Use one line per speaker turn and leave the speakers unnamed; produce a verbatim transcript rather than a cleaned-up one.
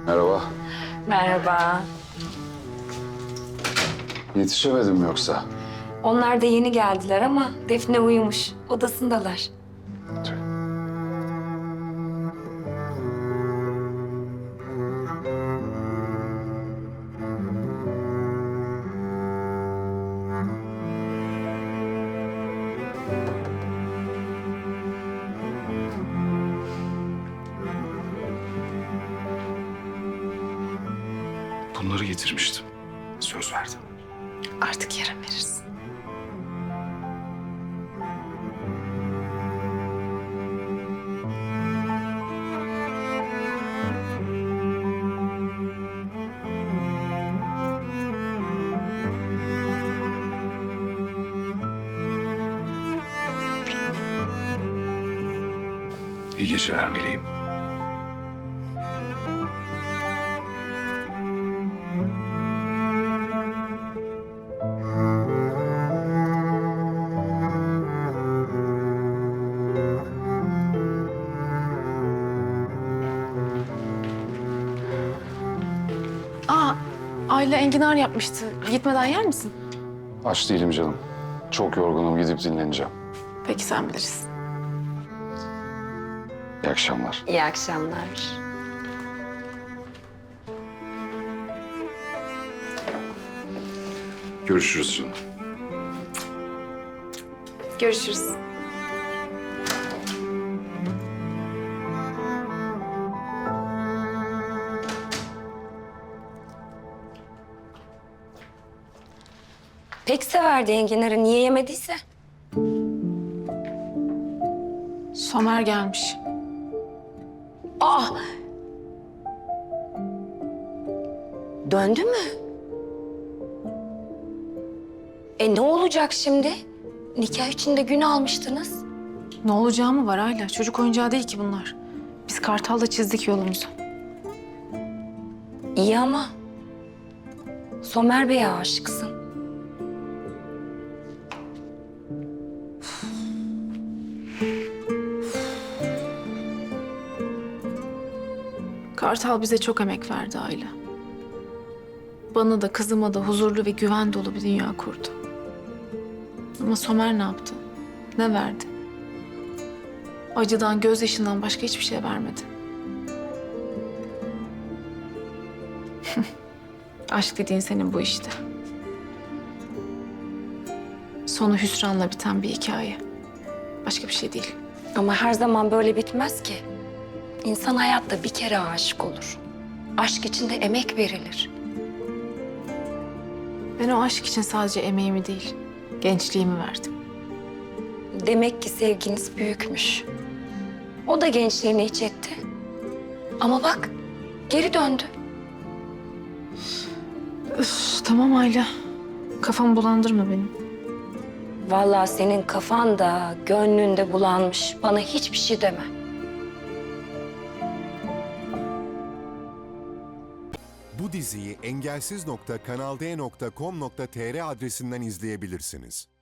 Merhaba.
Merhaba.
Yetişemedim yoksa?
Onlar da yeni geldiler ama Defne uyumuş. Odasındalar.
Tüh. Bunları getirmiştim. Söz verdim.
Artık yarın verirsin.
İyi geceler meleğim.
Aa, Ayla enginar yapmıştı. Gitmeden yer misin?
Aç değilim canım. Çok yorgunum, gidip dinleneceğim.
Peki sen bilirsin.
İyi akşamlar.
İyi akşamlar.
Görüşürüz canım.
Görüşürüz.
Pek severdi enginarı. Niye yemediyse?
Somer gelmiş.
Aa! Döndü mü? E ne olacak şimdi? Nikah için de gün almıştınız.
Ne olacağı mı var Ayla? Çocuk oyuncağı değil ki bunlar. Biz Kartal'la çizdik yolumuzu.
İyi ama Somer Bey'e aşıksın.
Kartal bize çok emek verdi Ayla. Bana da kızıma da huzurlu ve güven dolu bir dünya kurdu. Ama Somer ne yaptı? Ne verdi? Acıdan, gözyaşından başka hiçbir şey vermedi. Aşk dediğin senin bu işte. Sonu hüsranla biten bir hikaye. Başka bir şey değil.
Ama her zaman böyle bitmez ki. İnsan hayatta bir kere aşık olur. Aşk için de emek verilir.
Ben o aşk için sadece emeğimi değil, gençliğimi verdim.
Demek ki sevginiz büyükmüş. O da gençliğini hiç etti. Ama bak, geri döndü.
Üf, tamam Ayla. Kafamı bulandırma benim.
Vallahi senin kafan da, gönlün de bulanmış. Bana hiçbir şey deme.
Bu diziyi engelsiz nokta kanal d nokta com nokta tr adresinden izleyebilirsiniz.